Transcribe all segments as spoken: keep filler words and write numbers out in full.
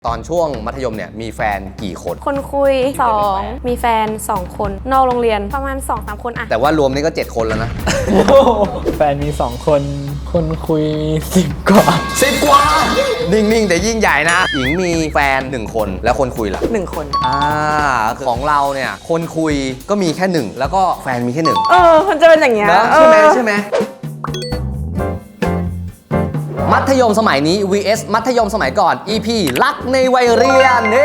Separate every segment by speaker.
Speaker 1: ตอนช่วงมัธยมเนี่ยมีแฟนกี่คน
Speaker 2: คนคุยสองมีแฟนสองคนนอกโรงเรียนประมาณ สองสาม คนอะ
Speaker 1: แต่ว่ารวมนี่ก็เจ็ดคนแล้วนะ
Speaker 3: แฟนมีสองคนคนคุยมีสิบกว่า
Speaker 1: สิบกว่านิ่งๆแต่ยิ่งใหญ่นะหญิงมีแฟนหนึ่งคนแล้วคนคุยล่ะ
Speaker 2: หนึ่งคน
Speaker 1: อ่าของเราเนี่ยคนคุยก็มีแค่หนึ่งแล้วก็แฟนมีแค่หนึ่ง
Speaker 2: เออมันจะเป็นอย่างเงี้ย
Speaker 1: ใช่ไหมใช่ไหมมัธยมสมัยนี้ วี เอส มัธยมสมัยก่อน อี พี รักในวัยเรียนเฮ้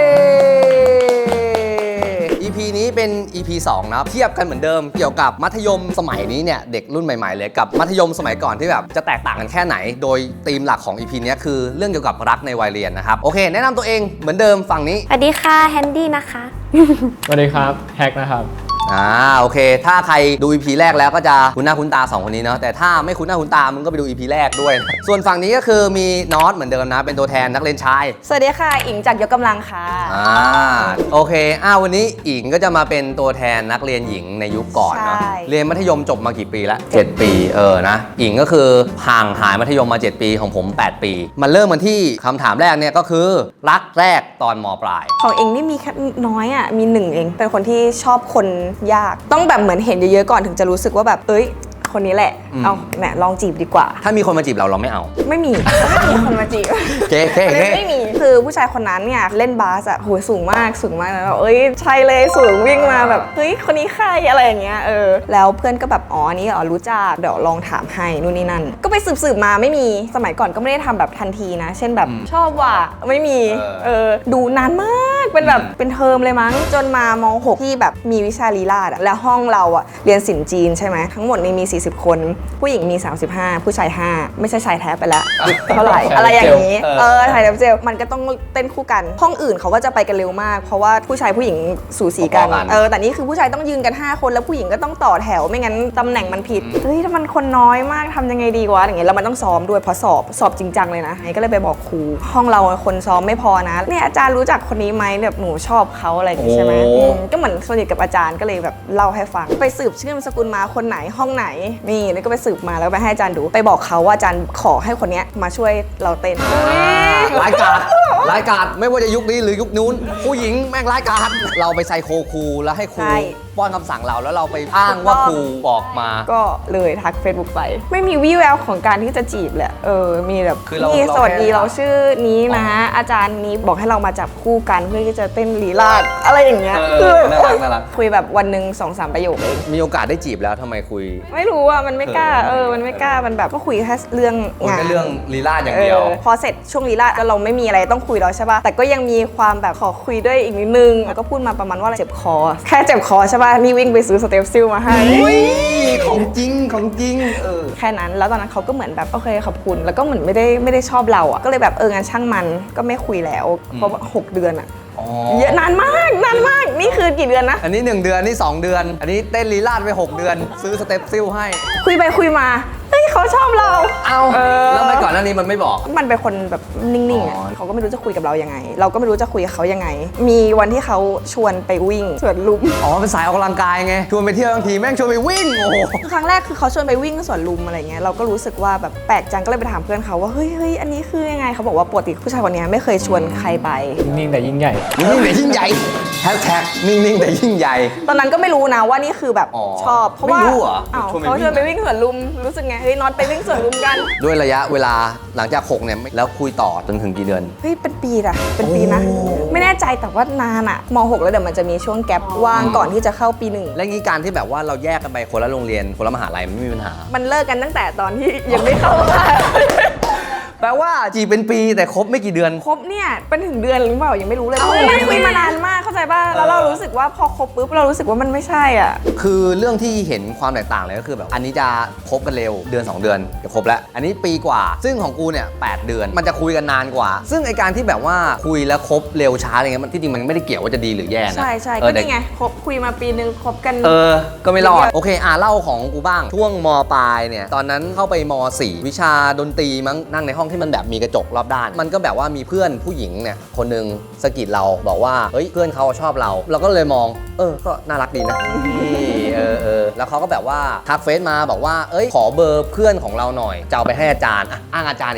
Speaker 1: อี พี นี้เป็น อี พี สองนะเทียบกันเหมือนเดิมเกี่ยวกับมัธยมสมัยนี้เนี่ยเด็กรุ่นใหม่ๆเลยกับมัธยมสมัยก่อนที่แบบจะแตกต่างกันแค่ไหนโดยธีมหลักของ อี พี นี้คือเรื่องเกี่ยวกับรักในวัยเรียนนะครับโอเคแนะนำตัวเองเหมือนเดิมฝั่งนี้
Speaker 2: สวัสดีค่ะแฮนดี้นะคะ
Speaker 3: สวัสดีครับแฮกนะครับ
Speaker 1: อ่าโอเคถ้าใครดู อี พี แรกแล้วก็จะคุ้นหน้าคุ้นตาสองคนนี้เนาะแต่ถ้าไม่คุ้นหน้าคุ้นตามึงก็ไปดู อี พี แรกด้วยส่วนฝั่งนี้ก็คือมีนอตเหมือนเดิมนะเป็นตัวแทนนักเรียนชาย
Speaker 2: สวัสดีค่ะอิงจากยกกำลังค่ะ
Speaker 1: อ่าโอเคอ้าววันนี้อิงก็จะมาเป็นตัวแทนนักเรียนหญิงในยุคก่อนเนาะเรียนมัธยมจบมากี่ปีแล้วเจ็ดปีเออนะอิงก็คือห่างหายมัธยมมาเจ็ดปีของผมแปดปีมันเริ่มมันที่คำถามแรกเนี่ยก็คือรักแรกตอนม.ปลาย
Speaker 2: ของเองนี่มีแค่น้อยอ่ะมีหนึ่งเองเป็นคนที่ชอบคนยากต้องแบบเหมือนเห็นเยอะๆก่อนถึงจะรู้สึกว่าแบบเอ้ยคนนี้แหละเอาแหมลองจีบดีกว่า
Speaker 1: ถ้ามีคนมาจีบเราเราไม่เอา
Speaker 2: ไม่มีไม่มีคนมาจีบ
Speaker 1: เก๊เก๊
Speaker 2: ไม่มีคือผู้ชายคนนั้นเนี่ยเล่นบาสอะโหสูงมากสูงมากแล้วเอ้ยใช่เลยสูงวิ่งมาแบบเฮ้ยคนนี้ใครอะไรอย่างเงี้ยเออแล้วเพื่อนก็แบบอ๋อนี่อ๋อรู้จักเดี๋ยวลองถามให้นู่นนี่นั่นก็ไปสืบๆมาไม่มีสมัยก่อนก็ไม่ได้ทำแบบทันทีนะเช่นแบบชอบว่ะไม่มีเออดูนานมากเป็นแบบเป็นเทอมเลยมั้งจนมาม.หกที่แบบมีวิชาลีลาศอะแล้วห้องเราอะเรียนศิลป์จีนใช่ไหมทั้งหมดนี่มีสี่สิบคนผู้หญิงมีสามสิบห้าผู้ชายห้าไม่ใช่ชายแท้ไปแล้วเท่าไหร่อะไรอย่างนี้เออถ่ายเจลมันก็ต้องเต้นคู่กันห้องอื่นเขาก็จะไปกันเร็วมากเพราะว่าผู้ชายผู้หญิงสูสีกันเออแต่นี่คือผู้ชายต้องยืนกันห้าคนแล้วผู้หญิงก็ต้องต่อแถวไม่งั้นตำแหน่งมันผิดเฮ้ยถ้ามันคนน้อยมากทำยังไงดีวะอย่างเงี้ยแล้วมันต้องซ้อมด้วยเพราะสอบสอบจริงจังเลยนะไอ้ก็เลยไปบอกครูห้องเราคนซ้อมไม่พอนะเนี่ยอาจารย์รู้จักคนนี้ไหมแบบหนูชอบเขาอะไรอย่างงี้ใช่ไหมก็เหมือนสนิทกับอาจารย์ก็เลยแบบเล่าให้ฟังไปสืบชื่อนามสกุลมาคนไหนห้องไหนนี่แล้วก็ไปสืบมาแล้วไปให้อาจารย์ดูไปบอกเขาว่าอาจารย์ขอให้คนนี้มาช่วยเราเต้น
Speaker 1: รายการรายการไม่ว่าจะยุคนี้หรือยุคนู้นผู้หญิงแม่งรายการเราไปไซโคครูแล้วให้ครูป้อนคำสั่งเราแล้วเราไปอ้างว่าครูบอกมา
Speaker 2: ก็เลยทัก Facebook ไปไม่มีวี่แววของการที่จะจีบแหละเออมีแบบนี่สวัสดีเราชื่อนี้นะอาจารย์นี้บอกให้เรามาจับคู่กันเพื่อที่จะเต้นลีลาศอะไรอย่างเงี้ย
Speaker 1: น่ารักน่ารัก
Speaker 2: คุยแบบวันหนึ่งสองสามประโยคเอง
Speaker 1: มีโอกาสได้จีบแล้วทำไมคุย
Speaker 2: ไม่รู้อ่ะมันไม่กล้าเออมันไม่กล้ามันแบบก็คุยแค่เรื่องงาน
Speaker 1: เรื่องลีลาศอย่างเดียว
Speaker 2: พอเสร็จช่วงลีลาศก็เราไม่มีอะไรต้องคุยแล้วใช่ป่ะแต่ก็ยังมีความแบบขอคุยด้วยอีกนิดนึงแล้วก็พูดมาประมาณว่าเจ็บคอแค่เจ็บคอใช่ป่ะนี่วิ่งไปซื้อสเตปซิลมาให้
Speaker 1: ของจริงของจริงเออ
Speaker 2: แค่นั้นแล้วตอนนั้นเขาก็เหมือนแบบโอเคขอบคุณแล้วก็เหมือนไม่ได้ไม่ได้ชอบเราอ่ะก็เลยแบบเอองานช่างมันก็ไม่คุยแล้วเพราะว่าหกเดือนอ่ะเยอะนานมากนานมากนี่คือกี่เดือนนะ
Speaker 1: อันนี้หนึ่งเดือนนี่สองเดือนอันนี้เต้นลีลาศไปหกเดือนซื้อสเตปซิลให้
Speaker 2: คุยไปคุยมาเฮ้ยเขาชอบเรา
Speaker 1: เอาแล้วไม่ก่อนหน้านี้มันไม่บอก
Speaker 2: มันเป็นคนแบบนิ่งๆอ่ะเขาก็ไม่รู้จะคุยกับเรายังไงเราก็ไม่รู้จะคุยกับเขายังไงมีวันที่เขาชวนไปวิ่งสวนลุม
Speaker 1: อ๋อเป็นสายออกกำลังกายไงชวนไปเที่ยวบางทีแม่งชวนไปวิ่งโอ้โห
Speaker 2: ครั้งแรกคือเขาชวนไปวิ่งสวนลุมอะไรเงี้ยเราก็รู้สึกว่าแบบแปลกจังก็เลยไปถามเพื่อนเขาว่าเฮ้ยเฮ้ยอันนี้คือยังไงเขาบอกว่าปกติผู้ชายคนนี้ไม่เคยชวนใครไป
Speaker 3: นิ่งๆแต่ยิ่งใหญ่
Speaker 1: นิ่งๆแต่ยิ่งใหญ่แฮชแท็กนิ่งๆแต่ยิ่งใหญ่
Speaker 2: ตอนนั้นก็ไม่รู้นะว่านี่คือแบบชอบเพราะว่าเขาชวนไปวิ่งสวนลุมรู้สึกไงเฮ้ยน็อตไปวิ่งสวนลุมกัน
Speaker 1: ด้วยระยะเวลาหลังจากหกเนี่ยแล้วคุยต่อจนถึงกี่เดือน
Speaker 2: เฮ้ยเป็นปีอะเป็นปีนะไม่แน่ใจแต่ว่านานอะม.หกแล้วเดี๋ยวมันจะมีช่วงแกปว่างก่อนที่จะเข้าปีหนึ่ง
Speaker 1: และงี้การที่แบบว่าเราแยกกันไปคนละโรงเรียนคนละมหาลัยมันไม่มีปัญหา
Speaker 2: มันเลิกกันตั้งแต่ตอนที่ยังไม่เข้า
Speaker 1: แปลว่าจีเป็นปีแต่คบไม่กี่เดือน
Speaker 2: คบเนี่ยเป็นถึงเดือนหรือเปล่ายังไม่รู้เลยไม่คุยมานานมากเข้าใจป่ะแล้วเรารู้สึกว่าพอคบปุ๊บเรารู้สึกว่ามันไม่ใช่อ่ะ
Speaker 1: คือเรื่องที่เห็นความแตกต่างเลยก็คือแบบอันนี้จะคบกันเร็วเดือนสองเดือนจะคบแล้วอันนี้ปีกว่าซึ่งของกูเนี่ยแปดเดือนมันจะคุยกันนานกว่าซึ่งไอการที่แบบว่าคุยแล้วคบเร็วช้าอะไรเงี้ยมันที่จริงมันไม่ได้เกี่ยวว่าจะดีหรือแย่นะ
Speaker 2: ใช่ใช่ก็นี่ไงคบคุยมาปีนึงคบกัน
Speaker 1: เออก็ไม่รอดโอเคอ่ะเล่าของกูบ้างช่วงม.ปลายเนี่ยตอนนั้นเข้าไปม.สี่วิชาดนตรีมั้งนั่งในห้องที่มันแบบมีกระจกรอบด้านมันก็แบบว่ามีเพื่อนผู้หญิงเนี่ยคนนึงสะกิดเราบอกว่าเฮ้ยเพื่อนเขาชอบเราเราก็เลยมองเออก็น่ารักดีนะเออเออแล้วเขาก็แบบว่าทักเฟซมาบอกว่าเอ้ยขอเบอร์เพื่อนของเราหน่อยจะเอาไปให้อาจารย์อ่ะอ้างอาจารย์อีกแล้ว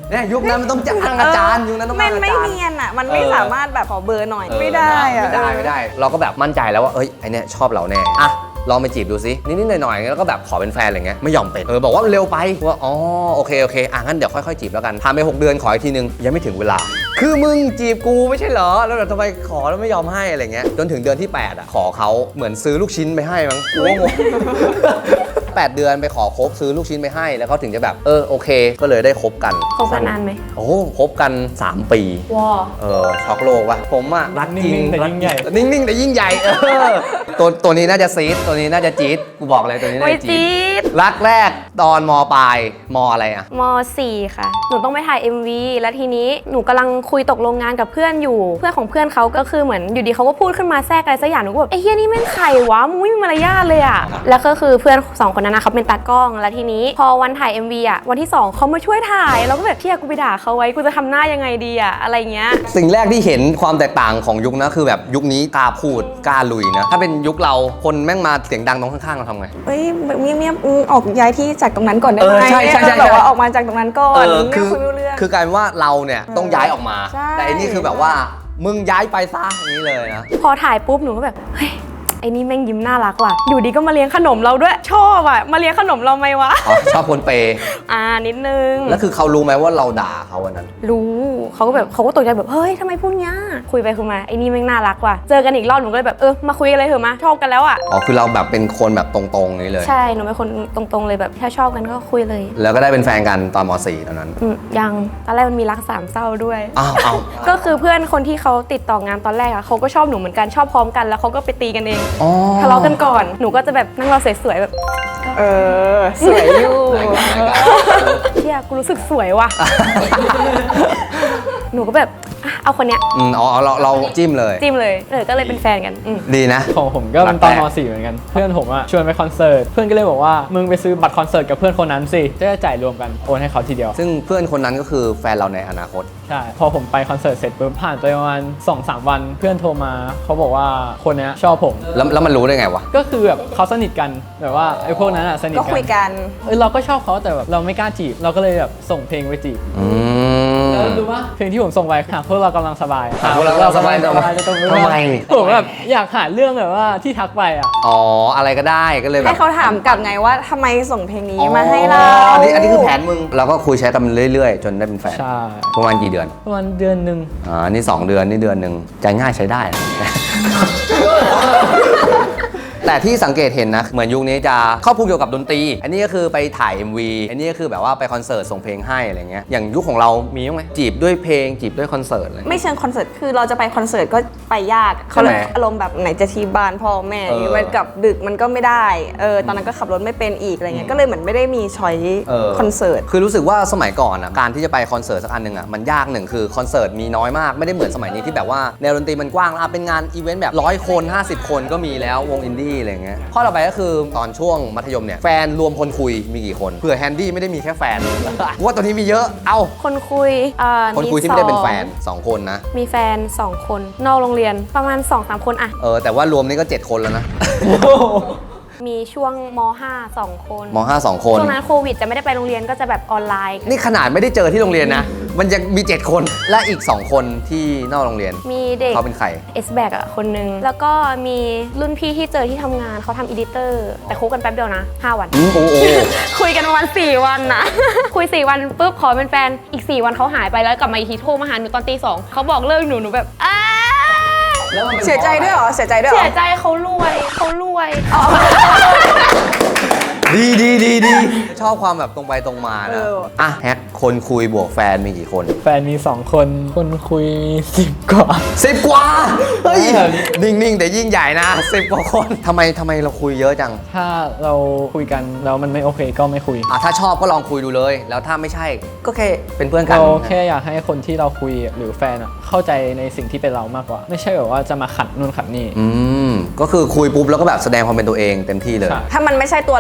Speaker 1: เนี่ยยุคนั้นมันต้องจ้างอาจารย์ยุคนั้นต้อง
Speaker 2: มั
Speaker 1: จ้าน งอา
Speaker 2: ไม่
Speaker 1: จารย์
Speaker 2: เนียนอ่ะมันไม่
Speaker 1: เออ
Speaker 2: สามารถแบบขอเบอร์หน่อย
Speaker 1: เออ
Speaker 2: ไม่ได้อะ
Speaker 1: ไม่ได้ไม่ได้ เราก็แบบมั่นใจแล้วว่าเอ้ยไอเนี่ยชอบเราแน่อะลองไปจีบดูซินิดๆหน่อยๆแล้วก็แบบขอเป็นแฟนอะไรเงี้ยไม่ยอมเป็นเออบอกว่าเร็วไปว่าอ๋อโอเคโอเคอ่ะงั้นเดี๋ยวค่อยๆจีบแล้วกันผ่านไปหกเดือนขออีกทีนึงยังไม่ถึงเวลา คือมึงจีบกูไม่ใช่เหรอแล้วแบบทำไมขอแล้วไม่ยอมให้อะไรเงี้ยจนถึงเดือนที่แปดอ่ะขอเขาเหมือนซื้อลูกชิ้นไปให้มั้งกูก็งง แปดเดือนไปขอคบซื้อลูกชิ้นไปให้แล้วเขาถึงจะแบบเออโอเคก็เลยได้คบกัน
Speaker 2: คบกันนานไหม
Speaker 1: โอ้คบกันสามปี
Speaker 2: ว้า
Speaker 1: เออช็อกโลกว่ะผมอะรักจริง
Speaker 3: นิ่งๆแต่ยิ่งใหญ่
Speaker 1: นิ่งๆแต่ยิ่งใหญ่เออตัวตัวนี้น่าจะซีดตัวนี้น่าจะจี๊ดกูบอกเลยตัวนี้น่า
Speaker 2: โอ้ย
Speaker 1: จะจี๊
Speaker 2: จี๊
Speaker 1: ด
Speaker 2: ด
Speaker 1: รักแรกตอนมปลายมอะไรอะ
Speaker 4: ม สี่ค่ะ หนูต้องไปถ่าย เอ็ม วี แล้วทีนี้หนูกำลังคุยตกลงงานกับเพื่อนอยู่ เพื่อนของเพื่อนเขาก็คือเหมือนอยู่ดีเขาก็พูดขึ้นมาแทรกอะไรสักอย่างหนูก็แบบไอ้เฮียนี่แม่งใครวะมึงไม่มีมารยาทเลยอะแล้วก็คือเพื่อนสองคนนั้นนะเขาเป็นตากล้อง แล้วทีนี้พอวันถ่าย เอ็ม วี อะวันที่สองเขามาช่วยถ่ายแล้วก็แบบเฮียกูไปด่าเขาไว้กูจะทำหน้ายังไงดีอะอะไรเงี้ย
Speaker 1: สิ่งแรกที่เห็นความแตกต่างของยุคนะคือแบบยุคนี้กล้าพูดกล้าลุยนะถ้าเป็นยุคเราคนแม่งมาเสียงดังตรงข้างๆเราทำไง
Speaker 2: เอ้ยแบบเงียบๆอืมออกย้ายที่จากตรงนั้นก่อนได้
Speaker 1: เอ
Speaker 2: ไห
Speaker 1: อ
Speaker 2: ม
Speaker 1: ใช่ใช่ใช่
Speaker 2: แบบว่าออกมาจากตรงนั้นก่อน
Speaker 1: เออ
Speaker 2: ไม่
Speaker 1: คือ
Speaker 2: คุยไม่รู้เรื่อง
Speaker 1: คือกลายเป็นว่าเราเนี่ยต้องย้ายออกมา
Speaker 2: ใช่
Speaker 1: แต่อันนี้คือแบบว่ามึงย้ายไปซะอย่างนี้เลยนะ
Speaker 4: พอถ่ายปุ๊บหนูก็แบบเฮ้ยไอ้นี่แม่งยิ้มน่ารักว่ะอยู่ดีก็มาเลี้ยงขนมเราด้วยชอบอ่ะมาเลี้ยงขนมเราไหมวะ
Speaker 1: อ๋อชอบคนเปย์
Speaker 4: อ่านิดนึง
Speaker 1: แล้วคือเขารู้ไหมว่าเราด่าเขาวันนั้น
Speaker 4: รู้เขาก็แบบเขาก็ตกใจแบบเฮ้ยทำไมพูดเงี้ยคุยไปคุยมาไอ้นี่แม่งน่ารักว่ะเจอกันอีกรอบหนูก็เลยแบบเออมาคุยกันเลยเถอะมาชอบกันแล้วอ่ะ
Speaker 1: อ๋อคือเราแบบเป็นคนแบบตรงๆนี้เลย
Speaker 4: ใช่หนูเป็นคนตรงๆเลยแบบถ้าชอบกันก็คุยเลย
Speaker 1: แล้วก็ได้เป็นแฟนกันตอนม .สี่ ตอนนั้น
Speaker 4: อืมยังตอนแรกมันมีรักสามเศร้าด้วย
Speaker 1: อ้าวอ้าว
Speaker 4: ก็คือเพื่อนคนที่เขาติดต่องานตอนแรกอะเขาก็ชอบหนูเหมือนกันชอบพร้อมกันแล้วเขาก็ไปตีกันเอง
Speaker 1: อ๋อ
Speaker 4: ทะเลาะกันก่อนหนูก็จะแบบนั่งรอสวยๆแบบ
Speaker 2: เออสวยอยู่
Speaker 4: เชี่ยกูรู้สึกสวยว่ะ หนูก็แบบอ่ะเอาคนเนี้ย
Speaker 1: อืมอ๋อเราเราจิ้มเลย
Speaker 4: จิ้มเลยเออก็เลยเป็นแฟนกันอืม
Speaker 1: ดีนะ
Speaker 3: ของผมก็เป็นตอน
Speaker 1: รักแร
Speaker 3: ม
Speaker 1: ก
Speaker 3: สี่เหมือนกัน เพื่อนผมอะชวนไปคอนเสิร์ต เพื่อนก็เลยบอกว่ามึงไปซื้อบัตรคอนเสิร์ตกับเพื่อนคนนั้นสิ จะได้จ่ายรวมกันโอนให้เขาทีเดียว
Speaker 1: ซึ่งเพื่อนคนนั้นก็คือแฟนเราในอนาคต
Speaker 3: ใช่ พอผมไปคอนเสิร์ตเสร็จปุ๊บผ่านไปประมาณสองสามวันเพื่อนโทรมาเขาบอกว่าคนเนี้ยชอบผม
Speaker 1: แล้วแล้วมันรู้ได้ไงวะ
Speaker 3: ก็คือแบบเขาสนิทกันแบบว่าไอ้พวกนั้นอะสนิท
Speaker 2: ก็
Speaker 3: กัน
Speaker 2: คุยกัน
Speaker 3: เออเราก็ชอบเขาแต่แบบเราไม่กล้าจีบเราก็เลยแบบส่งเพลงไปจีบ
Speaker 1: อืม
Speaker 3: แล้วรู้ว่าเพลงที่ผมส่งไปหากพวกเรากำลังสบาย
Speaker 1: หากพวกเรากำลังสบาย
Speaker 3: หกพวกเรกำลังสบายจะต้องรู้
Speaker 1: ทำไม
Speaker 3: ผมแบบอยากหาเรื่องแบบว่าที่ทักไปอ่ะ
Speaker 1: อ๋ออะไรก็ได้ก็เลยแบ
Speaker 2: ให้
Speaker 1: บ
Speaker 2: เขาถามกลับไงว่าทำไมส่งเพลงนี้มาให้เรา
Speaker 1: อันนี้อันนี้คือแผนมึงเราก็คุยใช้กันเรื่อยๆ จนได้เป็นแฟน
Speaker 3: ใช่
Speaker 1: ประมาณกี่เดือน
Speaker 3: ประมาณเดือนหนึ่ง
Speaker 1: อ่านี่สองเดือนนี่เดือนหนึ่งใจง่ายใช้ได้นะ แต่ที่สังเกตเห็นนะ เหมือนยุคนี้จะครอบคลุมเกี่ยวกับดนตรี อันนี้ก็คือไปถ่าย เอ็ม วี อันนี้ก็คือแบบว่าไปคอนเสิร์ตส่งเพลงให้อะไรเงี้ย อย่างยุคของเรามีบ้างไหมจีบด้วยเพลงจีบด้วยคอนเสิร์ตอะไร
Speaker 2: ไม่เชิงคอนเสิร์ตคือเราจะไปคอนเสิร์ตก็ไปยากเขาเลย
Speaker 1: ใช่ไหม
Speaker 2: อารมณ์แบบไหนจะที่บ้านพ่อแม่
Speaker 1: เออ
Speaker 2: มันกลับดึกมันก็ไม่ได้เออตอนนั้นก็ขับรถไม่เป็นอีกอะไรเงี้ยก็เลยเหมือนไม่ได้มีช้อย
Speaker 1: เออ
Speaker 2: คอนเสิร์ต
Speaker 1: คือรู้สึกว่าสมัยก่อนอ่ะการที่จะไปคอนเสิร์ตสักอันหนึ่งอ่ะมันยากหนึ่งคือคอนเสิร์ตมีน้อยมากไม่ได้เหมือนสมัยนี้ที่แบบว่าแนวดนตรีมันกว้างอ่ะเป็นงานอีเวนต์แบบร้อยคนห้าสิบคนก็มีแล้ววงอินดี้อะไรเงี้ยข้อต่อไปก็คือตอนช่วงมัธยมเนี่ยแฟนรวมคนคุยมีกี่คนเผื่อแฮนดี้ไม่ได้มีแค่แฟน ว่าตอนนี้มีเยอะเอ้า
Speaker 4: คนคุยเอ่อ
Speaker 1: คนคุยที่
Speaker 4: ส
Speaker 1: ไม่ได้เป็น
Speaker 4: อง
Speaker 1: แฟนสองคนนะ
Speaker 4: มีแฟนสองคนนอกโรงเรียนประมาณ สองสาม คนอะ
Speaker 1: เออแต่ว่ารวมนี่ก็เจ็ดคนแล้วนะ
Speaker 4: มีช่วงม ห้า สองคน
Speaker 1: มห้าสองคน
Speaker 4: ช่วงนั้นโควิดจะไม่ได้ไปโรงเรียนก็จะแบบออนไลน์
Speaker 1: นี่ขนาดไม่ได้เจอที่โรงเรียนนะ มันยังมีเจ็ดคนและอีกสองคนที่นอกโรงเรียน
Speaker 4: มีเด็ก
Speaker 1: เขาเป็นใคร
Speaker 4: เอสแบกอะคนนึงแล้วก็มีรุ่นพี่ที่เจอที่ทำงานเขาทำอีดิเตอร์แต่คบกันแป๊บเดียวนะห้าวัน
Speaker 1: อืมโอ้โห
Speaker 4: คุยกันประมาณสี่วันนะ คุยสี่วันปุ๊บขอเป็นแฟนอีกสี่วันเขาหายไปแล้วกลับมาอีกทีโทรมาหาหนูตอนตีสองเขาบอกเลิกหนูหนูแบบอ้า
Speaker 1: แล้วมันเป็น
Speaker 2: เสียใจด้วยเหรอเสียใจด้วยเหร
Speaker 4: เสี
Speaker 2: อย
Speaker 4: ใจเขารวยเขารวย
Speaker 1: ดีดีดีดีชอบความแบบตรงไปตรงมานะอ่ะแฮกคนคุยบวกแฟนมีกี่คน
Speaker 3: แฟนมีสองคนคนคุยมีสิบกว่า
Speaker 1: สิบกว่า เฮ้ย
Speaker 3: เออ
Speaker 1: นิ่ง ๆ แต่ยิ่งใหญ่นะสิบกว่าคนทำไมทำไมเราคุยเยอะจัง
Speaker 3: ถ้าเราคุยกันแล้วมันไม่โอเคก็ไม่คุย
Speaker 1: อ่ะถ้าชอบก็ลองคุยดูเลย แล้วถ้าไม่ใช่ก็แค่เป็นเพื่อนกัน
Speaker 3: เราแค่อยากให้คนที่เราคุยหรือแฟนอะเข้าใจในสิ่งที่เป็นเรามากกว่า ไม่ใช่แบบว่าจะมาขัดนู่นขัดนี่
Speaker 1: อืมก็คือคุยปุ๊บแล้วก็แบบแสดงความเป็นตัวเองเต็มที่เลย
Speaker 3: ใช่
Speaker 2: ถ้ามันไม่ใช่ตัวเรามาก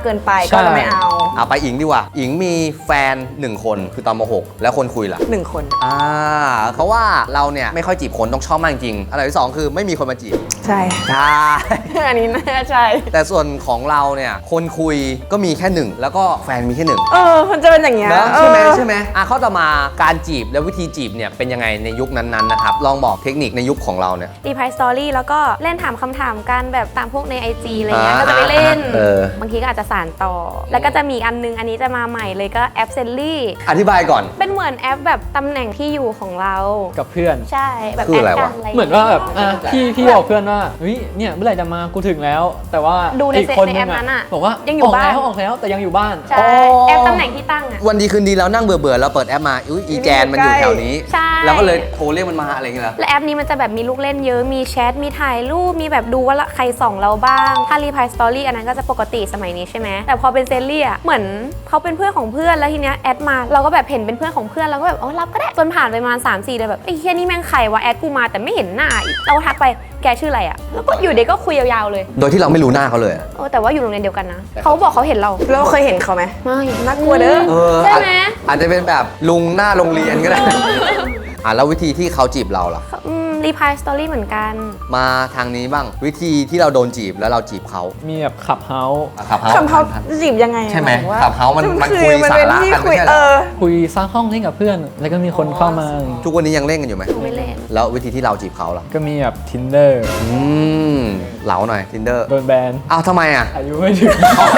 Speaker 2: เกินไปก็จะไม่เอา
Speaker 1: เอาไปอิงดีกว่าอิงมีแฟนหนึ่งคนคือตอนมหกแล้วคนคุยล่ะ
Speaker 2: หนึ่งคน
Speaker 1: อ่าเขาว่าเราเนี่ยไม่ค่อยจีบคนต้องชอบมากจริงอันดับที่สองคือไม่มีคนมาจีบ
Speaker 2: ใช่
Speaker 1: ใช่
Speaker 2: อันนี้น่าใช่
Speaker 1: แต่ส่วนของเราเนี่ยคนคุยก็มีแค่หนึ่งแล้วก็แฟนมีแค่หนึ่ง
Speaker 2: เออมันจะเป็นอย่างเงี้ย
Speaker 1: นะใช่ไหม
Speaker 2: เออ
Speaker 1: ใช่ไหมอ่ะข้อต่อมาการจีบแล้ววิธีจีบเนี่ยเป็นยังไงในยุคนั้นๆนะครับลองบอกเทคนิคในยุคของเราเนี่ย
Speaker 4: รีพายสตอรี่แล้วก็เล่นถามคำถามกันแบบตามพวกใน ไอ จี อะไรเงี้ย
Speaker 1: อ่า
Speaker 4: ก็จะไปเล่น
Speaker 1: เออ
Speaker 4: บางทีก็อาจจะสานต่อ แล้วก็จะมีอันนึงอันนี้จะมาใหม่เลยก็แอปเซลลี่
Speaker 1: อธิบายก่อน
Speaker 4: เป็นเหมือนแอปแบบตำแหน่งที่อยู่ของเรา
Speaker 3: กับเพื่อน
Speaker 4: ใช่แบบ
Speaker 1: คือ
Speaker 4: แอ
Speaker 1: อะไร
Speaker 4: ดกั
Speaker 1: วะ
Speaker 4: นอะไร
Speaker 3: เหมือนว่าแบบอ่ะพี่พี่บอกเพื่อนว่าเฮ้ยเนี่ยเมื่อไหร่จะมากูถึงแล้ว แต่ว่า
Speaker 4: ดูใน
Speaker 3: อีกคน
Speaker 4: ใน
Speaker 3: นึ
Speaker 4: แอง ปนั้นอะ
Speaker 3: บอกว่า
Speaker 4: ยังอยู่
Speaker 3: ก
Speaker 4: บ้าน
Speaker 3: แล้วออกแล้วแต่ยังอยู่บ้าน
Speaker 4: ใช่
Speaker 1: อ๋อ
Speaker 4: แอปตำแหน่งที่ตั้งอะ
Speaker 1: วันดีคืนดีแล้วนั่งเบื่อเบื่อๆแล้วเปิดแอปมาอุ้ยอีแจนมันอยู่แถวนี้
Speaker 4: ใช่
Speaker 1: แล้วก็เลยโทรเรียกมันมาอะไรอย่างเงี้ยเหรอ
Speaker 4: และแอปนี้มันจะแบบมีลูกเล่นเยอะ มีแชท มีถ่ายรูป มีแบบดูว่าใครส่องเราบ้าง ถ้ารีพายสตอรี่อันนั้นก็จะปกติสมัยนี้ใช่ไหม แต่พอเป็นเซลลี่อะเหมือนเขาเป็นเพื่อนของเพื่อน แล้วทีเนี้ยแอดมา เราก็แบบเห็นเป็นเพื่อนของเพื่อน เราก็แบบอ๋อรับก็ได้ จนผ่านไปประมาณสามสี่เดือนแบบไอ้เฮียนี่แม่งใครวะแอดกูมาแต่ไม่เห็นหน้าอีกเราทักไปแกชื่ออะไรอะแล้วก็อยู่เด็กก็คุยยาวๆเลย
Speaker 1: โดยที่เราไม่รู้หน้าเขาเลยอะ
Speaker 4: โอ้แต่ว่าอยู่โรงเรียนเดียวกันนะ เขาบอกเขาเห็นเรา
Speaker 2: เราเคยเห็นเขาไหม
Speaker 4: ไม่
Speaker 2: น่ากลัวเด้อ
Speaker 1: เออ
Speaker 4: ใช่ไหม
Speaker 1: อาจจะเป็นแบบลุงหน้าโรงเรียนก็ได้ อ่ะแล้ววิธีที่เขาจีบเราล่ะ
Speaker 4: อืมรีพายสตอรี่เหมือนกัน
Speaker 1: มาทางนี้บ้างวิธีที่เราโดนจีบแล้วเราจีบเขา
Speaker 3: มีแบบขับเฮาส์
Speaker 1: ขับเฮา
Speaker 2: คำเขาจีบยังไงอะ
Speaker 1: ใช่ไหม
Speaker 2: ายถึงว่า
Speaker 1: ขับเฮามันมัน
Speaker 2: อ
Speaker 1: คุย
Speaker 2: มัน
Speaker 1: สา
Speaker 2: เป็น
Speaker 1: ระ
Speaker 2: ที่
Speaker 1: กัน
Speaker 2: คุ
Speaker 1: ไม่
Speaker 2: ย
Speaker 1: ใช่เห
Speaker 2: เอ
Speaker 1: รอ
Speaker 2: อ
Speaker 3: คุยสร้างห้องเล่นกับเพื่อน แล้วก็มีคนเข้ามา
Speaker 1: ทุกวันนี้ยังเล่นกันอยู่ไหม
Speaker 4: ไม่เล่น
Speaker 1: แล้ววิธีที่เราจีบเขาล่ะ
Speaker 3: ก็มีแบบ tinder
Speaker 1: อืมเหลาหน่อย tinder
Speaker 3: โดนแบน
Speaker 1: อ้าวทำไมอ่ะ
Speaker 3: อายุไม่ถึง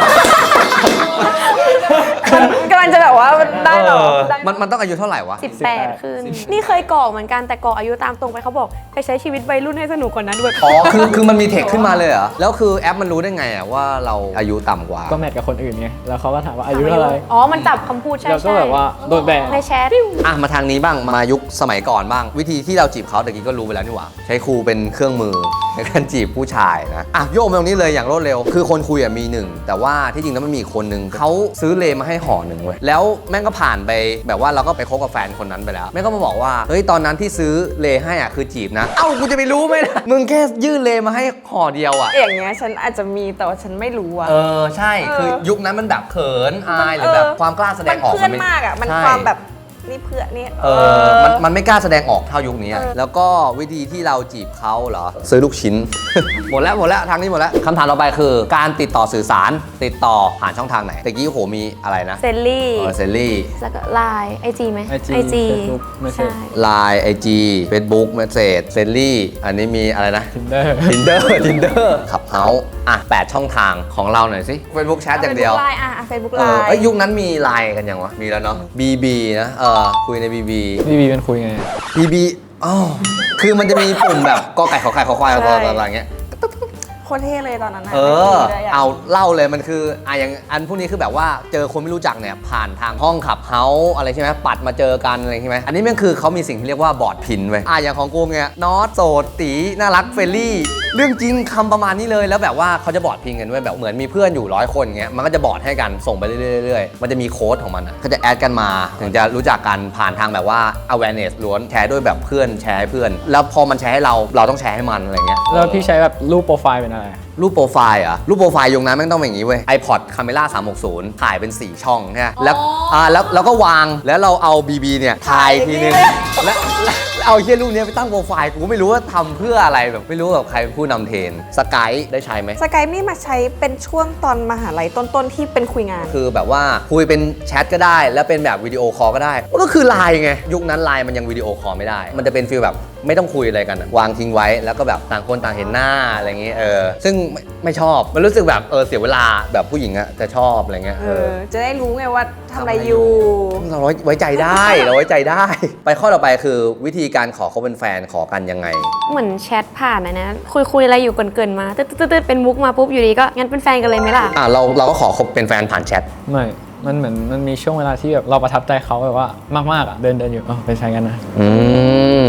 Speaker 2: กำลังจะแบบว่ามันได้เหรอได้
Speaker 1: มันมันต้องอายุเท่าไหร่วะ
Speaker 4: สิบแปดขึ้น นี่เคยกรอกเหมือนกันแต่กรอกอายุตามตรงไปเขาบอกไปใช้ชีวิตวัยรุ่นให้สนุกกว่านั้นด้วย
Speaker 1: อ๋อ คือ คือมันมีเทคขึ้นมาเลยเหรอ แล้วคือแอปมันรู้ได้ไงอ่ะว่าเราอายุต่ำกว่า
Speaker 3: ก็แมทกับคนอื่นไง แล้วเขาก็ถามว่าอายุเท่าไหร่
Speaker 4: อ๋อ มันจับคำพูดใช่
Speaker 3: แล้วก็
Speaker 4: ใช่
Speaker 3: แบบว่าโดนแบน
Speaker 4: ในแชท
Speaker 1: อ่ะ มาทางนี้บ้าง มายุคสมัยก่อนบ้าง วิธีที่เราจีบเขาแต่กี้ก็รู้ไปแล้วนี่หว่า ใช้ครูเป็นเครื่องมือในการจีบผู้ชายนะ อ่ะ โยกมาตรงนี้เลยอย่างรวดเร็ว คือคนคุยอ่ะมีหนึ่ง แต่ว่าที่จริงแล้วมันมีอีกคนหนึ่งเขาซื้อเลมาให้ห่อหนึ่งเว้ย แล้วแม่งก็ผ่านไปแบบว่าเราก็ไปคบกับแฟนคนนั้นไปแล้ว แม่งก็มาบอกว่า เฮ้ย ตอนนั้นที่ซื้อเลให้อ่ะคือจีบนะ เอ้า กูจะไปรู้ไหมนะมึงแค่ยื่นเลมาให้ห่อเดียวอ่ะ
Speaker 2: อย่างเงี้ยฉันอาจจะมีแต่ว่าฉันไม่รู้อะ
Speaker 1: เออ ใช่
Speaker 2: เออ
Speaker 1: คือยุคนั้นมันแบบเขินอายห
Speaker 2: เออ
Speaker 1: รือแบบความกล้าแสด
Speaker 2: มั
Speaker 1: ง
Speaker 2: น
Speaker 1: ออก
Speaker 2: เพื่อน
Speaker 1: ไ
Speaker 2: มากอะมัน
Speaker 1: ใช่
Speaker 2: ความแบบนี่เพื่อนนี่
Speaker 1: เออมันมันไม่กล้าแสดงออกเท่ายุคนี้อะแล้วก็วิธีที่เราจีบเขาเหรอ ซื้อลูกชิ้น หมดแล้วหมดแล้วทางนี้หมดแล้วคำถามต่อไปคือ การติดต่อสื่อสารติดต่อผ่านช่องทางไหนตะกี้โหมีอะไรนะ
Speaker 4: เซลลี่
Speaker 1: เออเซลลี่
Speaker 4: แล้วก็ไลน์ไอจีไหม
Speaker 3: ไอจี
Speaker 4: ไอจี
Speaker 3: Facebook ไม่ใช่
Speaker 4: ใช่
Speaker 1: ไลน์ไอจีเฟซบุ๊กเมสเซจเซลลี่อันนี้มีอะไรนะ
Speaker 3: tinder
Speaker 1: Tinder Tinder ขับเฮาอ่ะแปดช่องทางของเราหน่อยสิ Facebook แชทอย่างเดียว
Speaker 2: ไลน์อะเฟซบุ๊ก
Speaker 1: เอ
Speaker 2: ไล
Speaker 1: อ
Speaker 2: น์
Speaker 1: เอ้ยยุคนั้นมีไลน์กันยังวะ มีแล้วเนาะ บี บี นะ เออคุยใน บี บี
Speaker 3: พี่บีเป็นคุยไง
Speaker 1: บี บี อ๋อ คือมันจะมีปุ่มแบบกอไก่ขอไข่ขอควายอะไรอะไรอย่างเงี้ย
Speaker 2: โคตรเท่เลยตอนนั้นนะ
Speaker 1: เออ
Speaker 2: ไม่ได้ะ
Speaker 1: เอาเล่าเลยมันคืออ่ะอย่างอันพวกนี้คือแบบว่าเจอคนไม่รู้จักเนี่ยผ่านทางห้องขับเฮาส์อะไรใช่ไหมปัดมาเจอกันอะไรใช่ไหมอันนี้มันคือเขามีสิ่งที่เรียกว่าบอร์ดพินไว้ยอ่ะอย่างของกูเนี่ยนอตโสดตีน่ารักเฟรนลี่ เรื่องจริงคำประมาณนี้เลยแล้วแบบว่าเขาจะบอร์ดพินกันไว้ยแบบเหมือนมีเพื่อนอยู่ร้อยคนเงี้ยมันก็จะบอร์ดให้กันส่งไปเรื่อยๆเรื่อยๆมันจะมีโค้ดของมันอ่ะเขาจะแอดกันมาถึงจะรู้จักกันผ่านทางแบบว่า awareness ล้วนแชร์ด้วยแบบเพื่อนแชร์ให้เพื่อน แล้วพอมันแชร์ให้เราเราต้องแชร์ให้มันอะไรเงี้ย
Speaker 3: แล้วพี่ใช้แบบรูปโปรไฟล์เป็นอะไร
Speaker 1: รูปโปรไฟล์เหรอ่ะรูปโปรไฟล์ยงนั้นแม่งต้องเป็นอย่างนี้เว้ย iPod Camera สามหกศูนย์ถ่ายเป็น สี่ ช่องใช่ไหมแล้วอ่าแล้วแล้วก็วางแล้วเราเอา บี บี เนี่ยถ่ายทีนึงแล้วแล้วแล้วเอาเฮียรูปเนี้ยไปตั้งโปรไฟล์กูก็ไม่รู้ว่าทำเพื่ออะไรแบบไม่รู้แบบใครเป็นผู้นำเทรนสกายได้ใช้ไหม
Speaker 2: สกายนี่มาใช้เป็นช่วงตอนมหาลัยต้นๆที่เป็นคุยงาน
Speaker 1: คือแบบว่าคุยเป็นแชทก็ได้ แล้วเป็นแบบวิดีโอคอลก็ได้มันก็คือไลน์ไงยุคนั้นไลน์มันยังวิดีโอคอลไม่ได้ มันจะเป็นฟีลแบบไม่ต้องคุยอะไรกันอะวางทิ้งไว้แล้วก็แบบต่างคนต่างเห็นหน้าอะไรอย่างเงี้ยเออซึ่งไม่ไม่ชอบมันรู้สึกแบบเออเสียเวลาแบบผู้หญิงอะจะชอบอะไรเงี้ย
Speaker 2: เอ
Speaker 1: เอ
Speaker 2: อ
Speaker 1: อ
Speaker 2: จะได้รู้ไงว่าทำอะไรอยู่
Speaker 1: เราไว้ไว้ใจได้ เราไว้ใจได้ ไปข้อต่อไปคือวิธีการขอเขาเป็นแฟนขอกันยังไง
Speaker 4: เหมือนแชทผ่านนะนะคุยคุยอะไรอยู่เกินๆมาตึ๊ดตึ๊ดตึ๊ดเป็นมุกมาปุ๊บอยู่ดีก็งั้นเป็นแฟนกันเลยไหมล่ะ
Speaker 1: อ่ะเราเราก็ขอคบเป็นแฟนผ่านแชท
Speaker 3: ไม่ มันเหมือนมันมีช่วงเวลาที่แบบเราประทับใจเขาแบบว่ามากๆอ่ะเดินเดินอยู่อ๋อเป็นแฟนกันนะ
Speaker 1: อืมแต่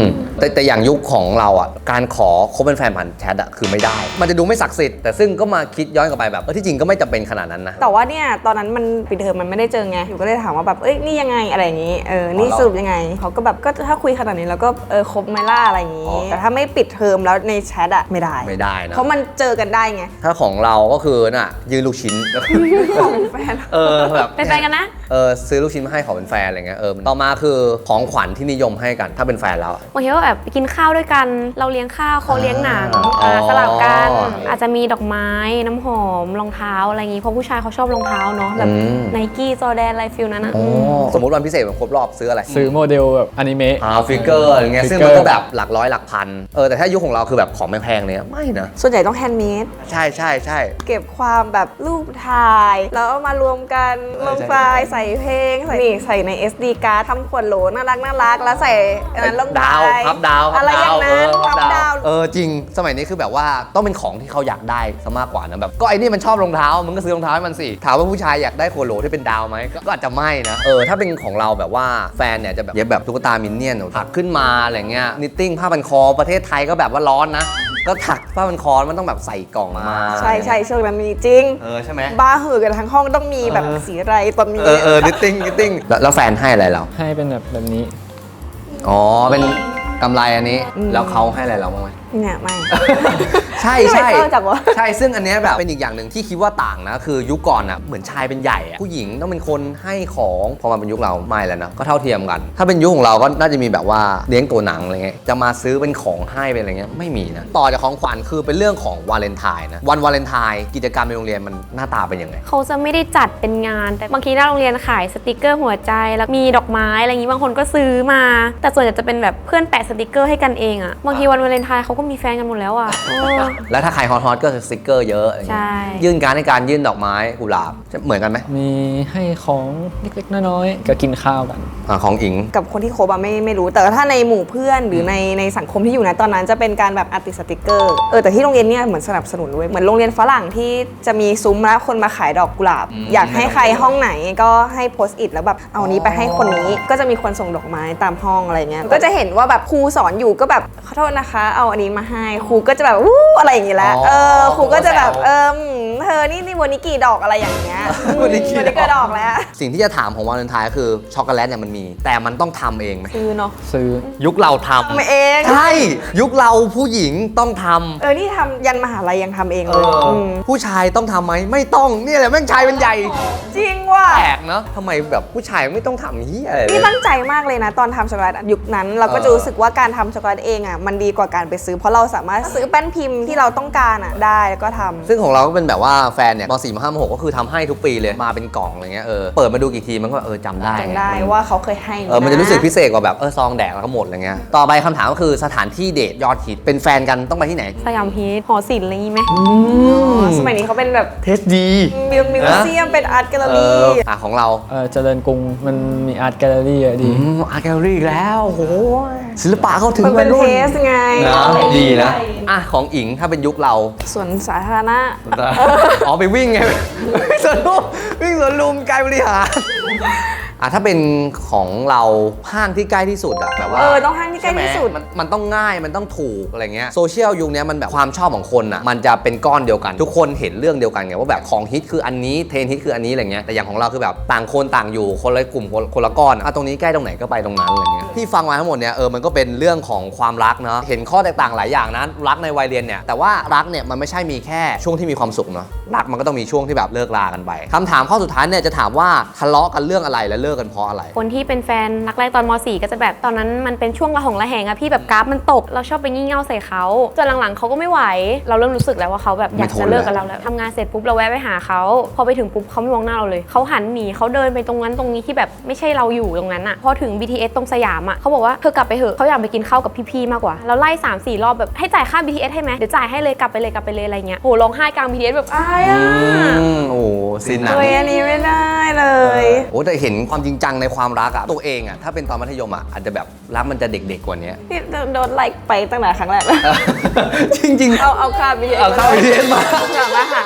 Speaker 1: แต่แต่อย่างยุคของเราอ่ะการขอคบเป็นแฟนผ่านแชทอ่ะคือไม่ได้ มันจะดูไม่ศักดิ์สิทธิ์แต่ซึ่งก็มาคิดย้อนกลับไปแบบเออที่จริงก็ไม่จำเป็นขนาดนั้นนะ
Speaker 2: แต่ว่าเนี่ยตอนนั้นมันปิดเทอมมันไม่ได้เจอไงอยู่ก็เลยถามว่าแบบเอ้ยนี่ยังไงอะไรอย่างงี้เออนี่สรุปยังไงเขาก็แบบก็ถ้าคุยขนาดนี้แล้วก็เออคบไหมล่ะอะไรอย่างงี้แต่ถ้าไม่ปิดเทอมแล้วในแชทอะไม่ได้
Speaker 1: ไม่ได้นะ
Speaker 2: เพราะมันเจอกันได้ไง
Speaker 1: ถ้าของเราก็คือน่ะยืนลูกชิ้น
Speaker 2: ของแฟน
Speaker 1: เออแบบ
Speaker 4: เป็นแฟนกันนะ
Speaker 1: เออซื้อลูกชิ้นมาให้ขอเป็นแฟนอะไรเงี้ยเออต่อมาคือของขวัญที่นิยมให้กันถ้าเป็นแฟนเราอะ
Speaker 4: บางทีก็แบบไปกินข้าวด้วยกัน เราเลี้ยงข้าวเขาเลี้ยงหนัง
Speaker 1: อ๋อ
Speaker 4: อ่าสลับกัน อาจจะมีดอกไม้น้ำหอมรองเท้าอะไรอย่างงี้เพราะผู้ชายเขาชอบรองเท้าเนาะแบบไนกี้จอแดนอะไรฟิลนั้นนะ
Speaker 1: อ๋อสมมติวันพิเศษแบบครบรอบซื้ออะไร
Speaker 3: ซื้อโมเดลแบบอนิเมะ
Speaker 1: อ่าฟิกเกอร์อะไรเงี้ย
Speaker 3: ฟิ
Speaker 1: ซึ่ง
Speaker 3: กเกอ
Speaker 1: มัน
Speaker 3: ร์
Speaker 1: ก็แบบหลักร้อยหลักพันเออแต่ถ้ายุคของเราคือแบบของแพงๆเลยอะไม่นะ
Speaker 2: ส่วนใหญ่ต้องแฮนด์เมด
Speaker 1: ใช่ใช่ใช่
Speaker 2: เก็บความแบบรูปถ่าย แล้วเอามารวมกันลงไฟล์ใส่เพลงใส่นี่ใส่ใน เอส ดี การ์ดทำขวดโหลน่ารักน่ารักแล้วใส่อันนั้นลงไป
Speaker 1: ดาวพับดาวพั
Speaker 2: อะไรอย่างนั้น
Speaker 1: เออ
Speaker 2: พับดาว
Speaker 1: เออจริงสมัยนี้คือแบบว่าต้องเป็นของที่เขาอยากได้ซะมากกว่านะแบบก็ไอ้นี่มันชอบรองเท้ามึงก็ซื้อรองเท้าให้มันสิถามว่าผู้ชายอยากได้ขวดโหลที่เป็นดาวไหมก็ก็อาจจะไม่นะเออถ้าเป็นของเราแบบว่าแฟนเนี่ยจะแบบเย็บแบบตุ๊กตามินเนี่ยนถักขึ้นมาอะไรเงี้ยนิตติ้งผ้าพันคอประเทศไทยก็แบบว่าร้อนนะก็ถักผ้าพันคอมันต้องแบบใส่กล่องมา
Speaker 2: ใช่ใช่ช่วงนั้นมีจริง
Speaker 1: เออใช่ไหม
Speaker 2: บ้าหือกันทั้งห้องต้องมีแบบสีอะไรตอนนี้
Speaker 1: เออเออนิตติ้งนิตติ้งแล้วแฟนให้อะไรเรา
Speaker 3: ให้เป็นแบบแบบนี้
Speaker 1: อ๋อเป็นกำไรอันนี้แล้วเขาให้อะไรเราบ้างไหม
Speaker 2: เนี่ยไม่
Speaker 1: ใช่
Speaker 2: ทำไม
Speaker 1: ใช่
Speaker 2: เศร้าจังวะ
Speaker 1: ใช่ซึ่งอันเนี้ยแบบเป็นอีกอย่างหนึ่งที่คิดว่าต่างนะคือยุคก่อนอ่ะเหมือนชายเป็นใหญ่อะผู้หญิงต้องเป็นคนให้ของพอมาเป็นยุคเราไม่แล้วนะก็เท่าเทียมกัน ถ้าเป็นยุคของเราก็น่าจะมีแบบว่าเลี้ยงตัวหนังอะไรเงี้ยจะมาซื้อเป็นของให้เป็นอะไรเงี้ยไม่มีนะต่อจากของขวัญคือเป็นเรื่องของวาเลนไทน์นะวันวาเลนไทน์กิจกรรมในโรงเรียนมันหน้าตาเป็นยังไง
Speaker 4: เขาจะไม่ได้จัดเป็นงาน แต่บางทีหน้าโรงเรียนขายสติกเกอร์หัวใจแล้วมีดอกไม้อะไรอย่างนี้บางคนก็ซื้อมา แต่ส่วนใหญ่จะเป็นแบบเพื่อนแปะสติกเกอร์ให้กันเองอะบางทีวันวาเลนไทน์เขาก็มีแฟนกันหมดแล้วอะเออ
Speaker 1: แล้วถ้าใครฮอตฮอตก็สติกเกอร์เยอะอะไรเงี้ย
Speaker 4: ใช่
Speaker 1: ยื่นการดในการยื่นดอกไม้กุหลาบเหมือนกันไหม
Speaker 3: มีให้ของเล็กๆน้อยๆก็กินข้าวกัน
Speaker 1: อ่าของอิง
Speaker 2: กับคนที่คบอะไม่ไม่รู้ แต่ถ้าในหมู่เพื่อนหรือในในสังคมที่อยู่นะตอนนั้นจะเป็นการแบบอัดติดสติกเกอร์เออแต่ที่โรงเรียนเนี่ยเหมือนสนับสนุนด้วยเหมือนโรงเรียนฝรั่งที่จะมีซุ้มแล้วคนมาขายดอกกุหลาบ
Speaker 1: อืม
Speaker 2: อยากให้ใครห้องไหนก็ให้โพสต์อิทแล้วแบบเอานี้ไปให้คนนี้ก็จะมีคนส่งดอกไม้ตามห้องอะไรเงี้ยก็จะเห็นว่าแบบครูสอนอยู่ก็แบบขอโทษนะคะเอาอันนี้มาให้ครูก็จะแบบวู้อะไรอย่างงี้แล้วเออครูก็จะแบบเออเธอนี่นี่วันนี้กี่ดอกอะไรอย่างเงี้ย
Speaker 1: วันนี้กี่ดอก
Speaker 2: วันนี้กี่ดอกแล้ว
Speaker 1: สิ่งที่จะถามของวาเลนไทน์คือช็อกโกแลตเนี่ยมันมี แต่มันต้องทำเองไหม
Speaker 2: คือเนาะ
Speaker 3: ซื้อ
Speaker 1: ยุคเราท
Speaker 2: ทำเอง
Speaker 1: ำใช่ยุคเราผู้หญิงต้องทำ
Speaker 2: เออ นี่ทำยันมหาลัยยังทำเอง
Speaker 1: เอ
Speaker 2: เลย
Speaker 1: อ
Speaker 2: ม
Speaker 1: ผู้ชายต้องทำไหมไม่ต้องเนี่ยแหละแม่งชายเป็นใหญ่
Speaker 2: จริงว่ะ
Speaker 1: แปลกเนาะทำไมแบบผู้ชายไม่ต้องทำนี้ยอะไรเล
Speaker 2: นี่
Speaker 1: ย
Speaker 2: ตั้งใจมากเลยนะ ตอนทำช็อกโกแลตยุคนั้นเราก็
Speaker 1: เออ
Speaker 2: จะรู้สึกว่าการทำช็อกโกแลตเองอ่ะมันดีกว่าการไปซื้อ เพราะเราสามารถซื้อแป้นพิมพ์ที่เราต้องการอ่ะได้แล้วก็ทำ
Speaker 1: ซึ่งของเราก็เป็นแบบว่าแฟนเนี่ยมสี่มห้ามหกก็คือทำให้ทุกปีเลยมาเป็นกล่องอะไรเงี้ยเออเปิดมาดูกี่ทีมันก็เออจำได้
Speaker 2: จำได้ว่าเขาเคยให้
Speaker 1: เออมันจะรู้สึกพิเศษกว่าแบบเออซองแดกแล้วก็หมดอะไรเงี้ยต่อไปคำถามก็คือสถานที่เดทยอดฮิตเป็นแฟนกันต้องไปที่ไหน
Speaker 4: สยามฮีทหอศิลป์อะไรอย่างงี้ไหม
Speaker 2: อ๋อสมัยนี้เขาเป็นแบบ
Speaker 1: เทสดี
Speaker 2: มิวมิวเซียมเป็นอาร์ตแกลเลอ
Speaker 1: เอ
Speaker 2: รี่
Speaker 1: ออ่ะของเรา
Speaker 3: เออเจริญกรุงมันมีอาร์ตแกลเลอรี่อะดี
Speaker 1: อืมอาร์ตแกลเลอรี่อีกแล้วโอ้โหศิลปะเข้าถึง
Speaker 2: มันเป็น
Speaker 1: วัยรุ่
Speaker 2: เทสไง
Speaker 1: นะดีนะอ่ะของอิงถ้าเป็นยุคเรา
Speaker 2: ส่วนสาธารณะ
Speaker 1: อ๋อไปวิ่งไงวิ่งสวนลุมวิ่งสวนลุมไกลบริหารอ่ะถ้าเป็นของเราห้างที่ใกล้ที่สุดอะแบบว่า
Speaker 2: เออต้องห้างที่ใกล้ที่สุด
Speaker 1: ช่ไหมมันมันต้องง่ายมันต้องถูกอะไรเงี้ยโซเชียลยุคนี้มันแบบความชอบของคนอะมันจะเป็นก้อนเดียวกัน ทุกคนเห็นเรื่องเดียวกันไงว่าแบบของฮิตคืออันนี้เทรนด์ฮิตคืออันนี้อะไรเงี้ยแต่อย่างของเราคือแบบต่างคนต่างอยู่คนละกลุ่มคนคนละก้อนอ่ะตรงนี้ใกล้ตรงไหนก็ไปตรงนั้นอะไรเงี้ยที่ฟังมาทั้งหมดเนี่ยเออมันก็เป็นเรื่องของความรักเนาะเห็นข้อแตกต่างหลายอย่างนะรักในวัยเรียนเนี่ยแต่ว่ารักเนี่ยมันไม่ใช่มีแค่ช่วงที่มีความสุขเนาะรักมันก็ต้องมีช่วงที่แบบเลิกลากันไปคำถามข้อสุดท้ายเนี่ยจะถามว่าทะเลาะกันเรื่องอะไรและเลิกกันเพราะอะไร
Speaker 4: คนที่เป็นแฟนรักแรกตอนม .สี่ ก็จะแบบตอนนั้นมันเป็นช่วงระหองระแหงอะพี่แบบกราฟมันตกเราชอบไปงี่เง่าใส่เขาจนหลังๆเขาก็ไม่ไหวเราเริ่มรู้สึกแล้วว่าเขาแบบอยากจะเลิกกับเราแล้วทำงานเสร็จปุ๊บเราแวะไปหาเขาพอไปถึงปุ๊บเขาไม่มองหน้าเราเลยเขาหันหนีเขาเดินไปตรงนั้นตรงนี้ที่แบบไม่ใช่เราอยู่ตรงนั้นอะพอถึง บี ที เอส ตรงสยามอะเขาบอกว่าเธอกลับไปเถอะเขาอยากไปกินข้าวกับพี่ๆมากกว่าเราไล่ สามสี่ รอบแบบให้จ่ายค่า บี ที เอส ให้ไหมเดี๋ยวจ่ายให้เลยกลับไปเลยกลับไปเลยอะไรเงี้ยโหร้องไห้กลาง บี ที เอส แบบอายอะ
Speaker 1: อืมโอ้ซินหนัง
Speaker 2: เฮ้ยอันนี้ไม่ได้เลย
Speaker 1: โอ้แต่เห็นความจริงจังในความรักอะตัวเองอะถ้าเป็นตอนมัธยมอะอาจจะแบบรักมันจะเด็กๆกว่านี้
Speaker 2: นี่โดนไล่ไปตั้งแต่ครั้งแรกแล้ว
Speaker 1: จริงๆ
Speaker 2: เอาเอาค่าบี
Speaker 1: เอาค่า บี ที เอส มา
Speaker 2: มาหา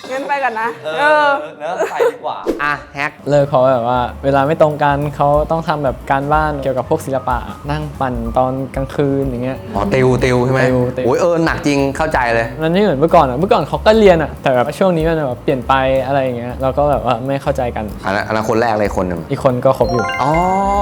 Speaker 2: งั้นไปก่อนนะ
Speaker 1: เอ
Speaker 2: เอ
Speaker 1: อ
Speaker 2: อ
Speaker 1: เนอะไปดีกว่า อ่ะแฮก
Speaker 3: เลิกเพราะแบบว่า เวลาไม่ตรงกันเขาต้องทำแบบการบ้านเกี่ยวกับพวกศิลปะนั่งปั่นตอนกลางคืนอย่างเงี้ย
Speaker 1: อ๋อติวติวใช่ไหม
Speaker 3: ติวติว
Speaker 1: โอ้ยเออหนักจริงเข้าใจเลย
Speaker 3: มันไม่เหมือนเมื่อก่อนอ่ะเมื่อก่อนเขาก็เรียนอ่ะแต่แบบช่วงนี้มันแบบเปลี่ยนไปอะไรอย่างเงี้ยเราก็แบบว่าไม่เข้าใจกัน
Speaker 1: อันนั้นอันนั้นคนแรกเลยคนหนึ่ง
Speaker 3: อีกคนก็คบอยู่
Speaker 1: อ๋อ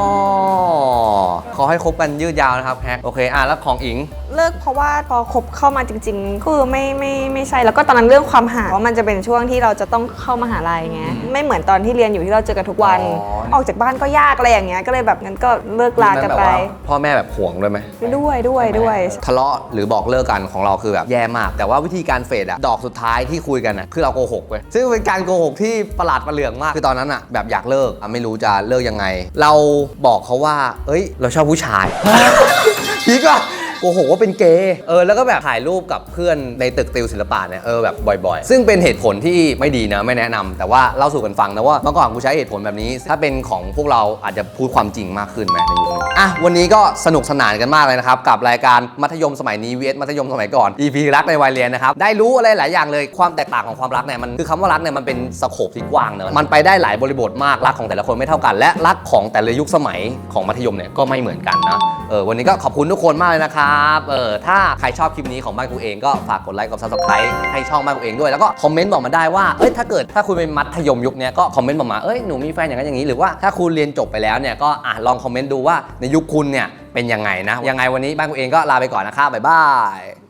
Speaker 1: ขอให้คบกันยืดยาวนะครับแฮกโอเคอ่ะแล้วของอิง
Speaker 2: เลิกเพราะว่าพอคบเข้ามาจริงๆคือไม่ไม่ไม่ใช่แล้วก็ตอนนั้นเรื่องความห่างว่ามันจะเป็นช่วงที่เราจะต้องเข้ามหาลัยไงไม่เหมือนตอนที่เรียนอยู่ที่เราเจอกันทุกวัน
Speaker 1: อ๋อ
Speaker 2: ออกจากบ้านก็ยากอะไรอย่างเงี้ยก็เลยแบบงั้นก็เลิกลากันไป
Speaker 1: แบบว่าพ่อแม่แบบห่วงด้วยไหม
Speaker 2: ด้วยด้วยด้วย
Speaker 1: ทะเลาะหรือบอกเลิกกันของเราคือแบบแย่มาก แต่ว่าวิธีการเฟดอะดอกสุดท้ายที่คุยกันอะคือเราโกหกเว้ยซึ่งเป็นการโกหกที่ประหลาดประเหลืองมากคือตอนนั้นอะแบบอยากเลิกอะไม่รู้จะเลิกยังไง เราบอกเขาว่า เอ้ย เราชอบผู้ชาย พีกว่าโกหกว่าเป็นเกย์เออแล้วก็แบบถ่ายรูปกับเพื่อนในตึกติวศิลปะเนี่ยเออแบบบ่อยๆ ซึ่งเป็นเหตุผลที่ไม่ดีนะไม่แนะนำแต่ว่าเล่าสู่กันฟังนะว่าเมื่อก่อนกูใช้เหตุผลแบบนี้ ถ้าเป็นของพวกเราอาจจะพูดความจริงมากขึ้นไหมในยุคนี้อ่ะวันนี้ก็สนุกสนานกันมากเลยนะครับกับรายการมัธยมสมัยนี้ vs มัธยมสมัยก่อน อี พี รักในวัยเรียนนะครับได้รู้อะไรหลายอย่างเลยความแตกต่างของความรักเนี่ยมันคือคำว่ารักเนี่ยมันเป็นสโคปที่กว้างเนอะมันไปได้หลายบริบทมากรักของแต่ละคนไม่เท่ากัน และรักของแต่ละยุคสมัยของมัธยมเนี่ยก็ไม่เหมือนกันนะเออวันนี้ก็ขอบคุณทุกคนมากเลยนะครับเออถ้าใครชอบคลิปนี้ของบ้านกูเองก็ฝากกดไลค์กด ซับสไครบ์ ให้ช่องบ้านกูเองด้วยแล้วก็คอมเมนต์บอกมาได้ว่าเอ้ยถ้าเกิดถ้าคุณเป็นมัธยมยุคนี้ก็คอมเมนต์บอกมาเอ้ยหนูมีแฟนอย่างนั้นอย่างนี้หรือว่าถ้าคุณเรียนจบไปแล้วเนี่ยก็อ่ะลองคอมเมนต์ดูว่าในยุคคุณเนี่ยเป็นยังไงนะยังไงวันนี้บ้านกูเองก็ลาไปก่อนนะครับบ๊ายบาย